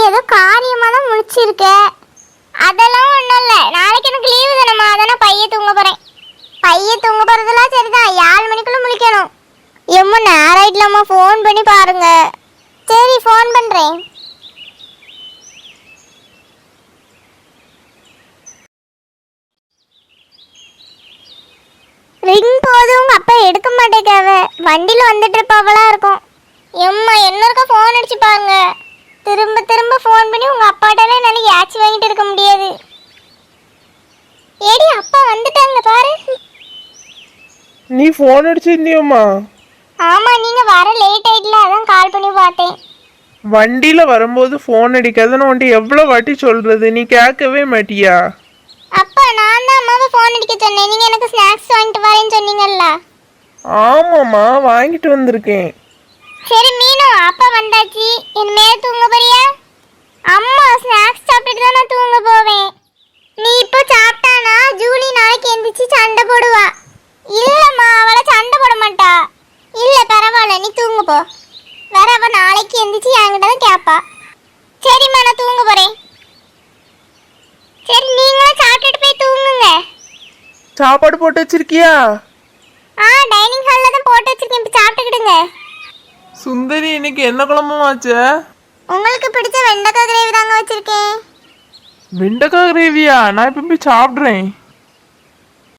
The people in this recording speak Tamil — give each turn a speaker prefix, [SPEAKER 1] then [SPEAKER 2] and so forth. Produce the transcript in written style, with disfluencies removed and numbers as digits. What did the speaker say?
[SPEAKER 1] ஏதோ காரியமா தான் முடிச்சிருக்க. அதெல்லாம் ஒன்றும் இல்லை, நாளைக்கு எனக்கு லீவு தானம்மா, அதானே பைய தூங்க போகிறேன். பைய தூங்க போகிறதுலாம் சரிதான், 7 மணிக்குள்ளே முழிக்கணும். எம்ம நேரம் இல்லாமா, ஃபோன் பண்ணி பாருங்க. சரி ஃபோன் பண்ணுறேன். ரிங் போதும், உங்கள் அப்பா எடுக்க மாட்டேக்காவ, வண்டியில் வந்துட்டு இருப்பாவெல்லாம் இருக்கும். எம்மா இன்னொருக்கா ஃபோன் அடிச்சு பாருங்க. திரும்ப திரும்ப ஃபோன் பண்ணி உங்கள் அப்பாட்டெல்லாம் என்னால் ஏச்சி வாங்கிட்டு இருக்க முடியாது. ஏடி அப்பா வந்துட்டாங்க பாரு.
[SPEAKER 2] நீ ஃபோன் அடிச்சிருந்தியோம்மா?
[SPEAKER 1] ஆமாம், நீங்கள் வர லேட் ஆயிடல, அதான் கால் பண்ணி பார்த்தேன்.
[SPEAKER 2] வண்டியில் வரும்போது ஃபோன் அடிக்காதுன்னு உன்ட்டு எவ்வளோ வாட்டி சொல்கிறது, நீ கேட்கவே மாட்டியா?
[SPEAKER 1] அப்பா நான் தான் அம்மாவை ஃபோன் அடிக்க சொன்னேன், நீங்கள் எனக்கு ஸ்நாக்ஸ் வாங்கிட்டு வரேன்னு சொன்னீங்கல்ல.
[SPEAKER 2] ஆமாம்மா, வாங்கிட்டு வந்திருக்கேன்.
[SPEAKER 1] சரி மீனு, அப்பா வந்தாச்சு, இனிமேல் தூங்க போறியா? அம்மா ஸ்நாக்ஸ் சாப்பிட்டுட்டு தான் நான் தூங்க போவேன். நீ இப்போ சாப்பிட்டானா ஜூலி நாளைக்கு எந்திரிச்சு சண்டை போடுவா. இல்லைம்மா, அவளை சண்டை போட மாட்டா. இல்லை பரவாயில்ல, நீ தூங்க போ. வேற அவள் நாளைக்கு எந்திரிச்சு என்கிட்ட தான் கேட்பா. சரிம்மா நான் தூங்க போகிறேன். சரி நீங்களும் சாப்பிட்டுட்டு போய் தூங்குங்க.
[SPEAKER 2] சாப்பாடு போட்டு வச்சிருக்கியா?
[SPEAKER 1] டைனிங் ஹாலில் தான் போட்டு வச்சிருக்கேன், இப்போ சாப்பிட்டுக்கிடுங்க.
[SPEAKER 2] சுந்தரி, இன்னைக்கு என்ன குழம்புமாச்சு?
[SPEAKER 1] உங்களுக்கு பிடிச்ச வெண்டைக்காய் கிரேவி தாங்க வச்சிருக்கேன்.
[SPEAKER 2] வெண்டைக்காய் கிரேவியா? நான் இப்போ போய் சாப்பிட்றேன்.